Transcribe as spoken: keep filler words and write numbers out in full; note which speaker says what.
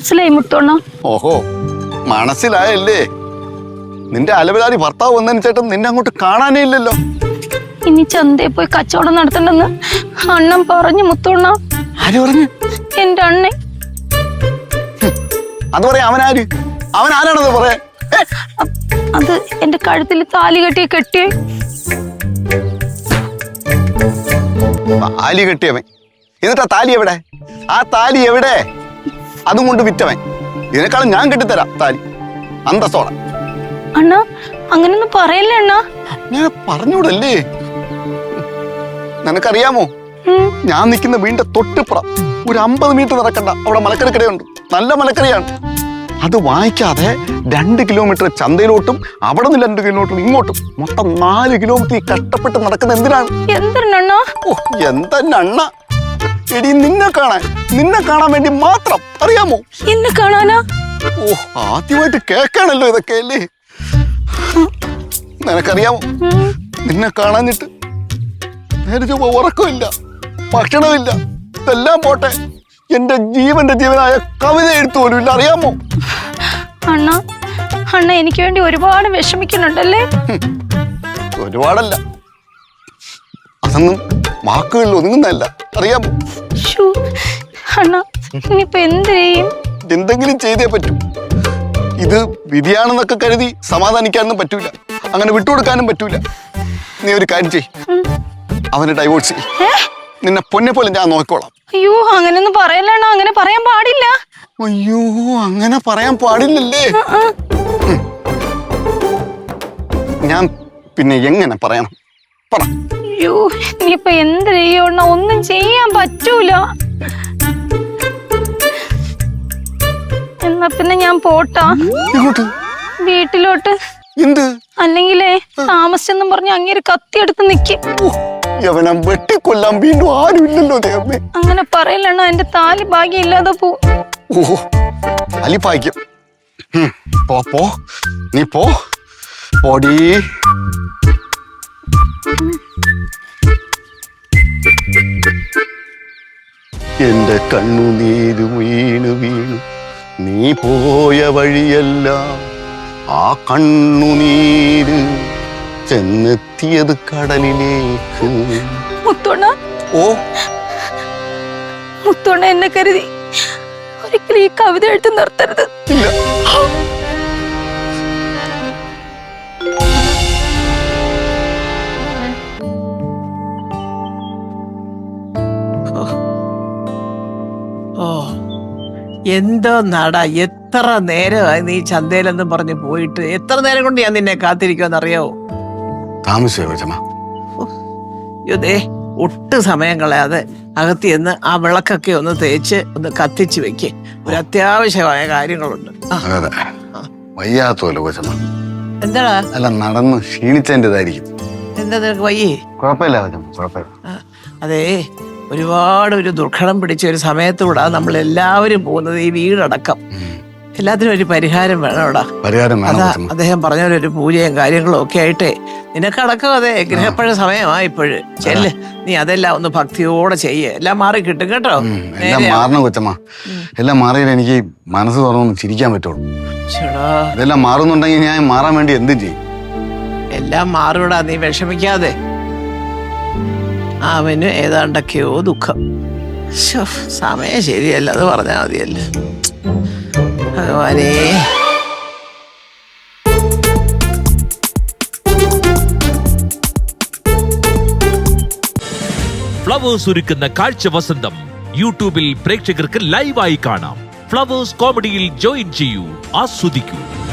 Speaker 1: മനസ്സിലായി മുത്തോണ്ണ.
Speaker 2: ഓഹോ, മനസ്സിലായല്ലേ? നിന്റെ അലവിലാരി ഭർത്താവ് വന്നതിന് ചേട്ടൻ നിന്നെ അങ്ങോട്ട് കാണാനേ ഇല്ലല്ലോ.
Speaker 1: ഇനി ചന്തയിൽ പോയി കച്ചവടം നടത്തണ്ടെന്ന് അണ്ണൻ പറഞ്ഞു മുത്തോണ്ണ.
Speaker 2: ആര് പറഞ്ഞു?
Speaker 1: എന്റെ അണ്ണൻ.
Speaker 2: അത് പറയാ അവനാര്? അവൻ ആരാണത് പറയാ?
Speaker 1: അത് എന്റെ കഴുത്തിൽ താലി കെട്ടിയ കെട്ടിയേ.
Speaker 2: താലി കെട്ടിയവൻ. എന്നിട്ടാ താലി എവിടെ? ആ താലി എവിടെ? അതും കൊണ്ട് വിറ്റവൻ. ഇതിനേക്കാളും ഞാൻ കെട്ടിത്തരാം താലി, അന്തസ്സോടെ.
Speaker 1: അണ്ണ അങ്ങനൊന്നും പറയല്ലേ അണ്ണ.
Speaker 2: ഞാൻ പറഞ്ഞൂടല്ലേ? നിനക്കറിയാമോ, ഞാൻ നിൽക്കുന്ന വീടിന്റെ തൊട്ടിപ്പുറം ഒരു അമ്പത് മീറ്റർ നടക്കണ്ട അവിടെ മലക്കറിക്കടയുണ്ട്. നല്ല മലക്കറിയാണ്. അത് വാങ്ങിക്കാതെ രണ്ട് കിലോമീറ്റർ ചന്തയിലോട്ടും അവിടെ നിന്ന് രണ്ട് കിലോമീറ്റർ ഇങ്ങോട്ടും മൊത്തം നാല് കിലോമീറ്റർ കഷ്ടപ്പെട്ട് നടക്കുന്ന എന്തിനാണ്?
Speaker 1: എന്തിനണ്ണ?
Speaker 2: ഓ, എന്തെണ്ണ എടി, നിന്നെ കാണാൻ നിന്നെ കാണാൻ വേണ്ടി മാത്രം. അറിയാമോ?
Speaker 1: എന്നെ കാണാനാ?
Speaker 2: ഓ, ആദ്യമായിട്ട് കേൾക്കാണല്ലോ ഇതൊക്കെ അല്ലേ? നിനക്കറിയാമോ, നിന്നെ കാണാഞ്ഞിട്ട് നേരെ ചൊവ്വ ഉറക്കമില്ല, ഭക്ഷണമില്ല. ഇതെല്ലാം പോട്ടെ, എന്റെ ജീവന്റെ ജീവനായ കവിത എഴുത്തു പോലും ഇല്ല. അറിയാമോ?
Speaker 1: അണ്ണ അണ്ണ എനിക്ക് വേണ്ടി ഒരുപാട് വിഷമിക്കുന്നുണ്ടല്ലേ?
Speaker 2: ഒരുപാടല്ല, അതൊന്നും വാക്കുകളിൽ ഒതുങ്ങുന്നതല്ല. അറിയാമോ?
Speaker 1: അണ്ണ ഇനിയിപ്പോ എന്ത് ചെയ്യും?
Speaker 2: എന്തെങ്കിലും ചെയ്തേ പറ്റൂ. ഇത് വിധിയാണെന്നൊക്കെ കരുതി സമാധാനിക്കാനൊന്നും പറ്റൂല, അങ്ങനെ വിട്ടുകൊടുക്കാനും പറ്റൂല. നീ ഒരു കാര്യം ചെയ്, അവന് ഡൈവോഴ്സ് ചെയ്യ്. നിന്നെ പൊന്നെ പോലെ ഞാൻ നോക്കിക്കോളാം.
Speaker 1: അയ്യോ, അങ്ങനെയൊന്നും പറയല്ലണ്ണ. അങ്ങനെ പറയാൻ പാടില്ല.
Speaker 2: അയ്യോ, അങ്ങനെ പറയാൻ പാടില്ലല്ലേ? ഞാൻ പിന്നെ എങ്ങനെ പറയണം? പറ.
Speaker 1: അയ്യോ, ഇനിയിപ്പൊ എന്ത് ചെയ്യണ? ഒന്നും ചെയ്യാൻ പറ്റൂല. എന്നാ പിന്നെ ഞാൻ പോട്ടാ. വീട്ടിലോട്ട്.
Speaker 2: എന്ത്?
Speaker 1: അല്ലെങ്കിലേ താമസിച്ചെന്നും പറഞ്ഞ് അങ്ങേര് കത്തിയെടുത്ത് നിക്കും.
Speaker 2: യവനെ വെട്ടിക്കൊല്ലാൻ വീണ്ടും ആരും ഇല്ലല്ലോ ദൈവമേ.
Speaker 1: അങ്ങനെ പറയലണ്ണ, എന്റെ താലി ഭാഗ്യം ഇല്ലാതെ പോവും.
Speaker 2: ഓ, താലി ഭാഗ്യം. പോ പോ, നീ പോ പോടി. എന്റെ കണ്ണുനീര് വീണു വീണു നീ പോയ വഴിയെല്ലാം ആ കണ്ണുനീര് ചെന്നെത്തിയത് കടലിലേക്ക്.
Speaker 1: മുത്തോണ്ണ,
Speaker 2: ഓ
Speaker 1: മുത്തോണ്ണ എന്നെ കരുതി ഒരിക്കലും ഈ കവിത എഴുത്ത് നിർത്തരുത്.
Speaker 2: ഇല്ല.
Speaker 3: ഓ, എന്തോ നടാ, എത്ര നേരമായി നീ ചന്തയിലെന്നും പറഞ്ഞ് പോയിട്ട്. എത്ര നേരം കൊണ്ട് ഞാൻ നിന്നെ കാത്തിരിക്കുമെന്നറിയാവോ? യുദേ, ഒട്ടും സമയം കളയാതെ അകത്തി എന്ന് ആ വിളക്കൊക്കെ ഒന്ന് തേച്ച് ഒന്ന് കത്തിച്ച് വെക്ക്. ഒരു അത്യാവശ്യമായ കാര്യങ്ങളുണ്ട്.
Speaker 2: വയ്യാത്തോല്ലോ കൊച്ചമ്മ.
Speaker 3: എന്താടാ?
Speaker 2: അല്ല, നടന്ന് ക്ഷീണിച്ചതിൻ്റെതായിരിക്കും.
Speaker 3: എന്താ നിനക്ക് വയ്യേ?
Speaker 2: കുഴപ്പമില്ല കൊച്ചമ്മ, കുഴപ്പമില്ല.
Speaker 3: അതേ, ഒരുപാട് ഒരു ദുർഘടം പിടിച്ച ഒരു സമയത്തൂടാ നമ്മൾ എല്ലാവരും പോകുന്നത്, ഈ വീടടക്കം. എല്ലാത്തിനും ഒരു പരിഹാരം വേണോടാ.
Speaker 2: പരിഹാരം
Speaker 3: അതാ അദ്ദേഹം പറഞ്ഞ ഒരു പൂജയും കാര്യങ്ങളും ഒക്കെ ആയിട്ടേ നിനക്കടക്കം. അതെ, ഗ്രഹപ്പഴ സമയമാ ഇപ്പോഴ്. ചെല്ല്, നീ അതെല്ലാം ഒന്ന് ഭക്തിയോടെ ചെയ്യേ, എല്ലാം മാറി കിട്ടും കേട്ടോ.
Speaker 2: എല്ലാം മാറണം കൊച്ചമ്മ. എല്ലാം മാറിയാൽ എനിക്ക് മനസ്സ് തുറന്നൊന്ന് ചിരിക്കാൻ പറ്റുള്ളൂ. ഇതെല്ലാം മാറുന്നുണ്ടെങ്കിൽ ഞാൻ മാറാൻ വേണ്ടി എന്തും ചെയ്യും.
Speaker 3: എല്ലാം മാറൂടാ, നീ വിഷമിക്കാതെ. അവന് ഏതാണ്ടൊക്കെയോ ദുഃഖം. സമയം ശരിയല്ല, അത് പറഞ്ഞാൽ മതിയല്ലേ ഭഗവാനേ.
Speaker 4: ഫ്ലവേഴ്സ് ഒരുക്കുന്ന കാഴ്ച വസന്തം യൂട്യൂബിൽ പ്രേക്ഷകർക്ക് ലൈവായി കാണാം. ഫ്ലവേഴ്സ് കോമഡിയിൽ ജോയിൻ ചെയ്യൂ, ആസ്വദിക്കൂ.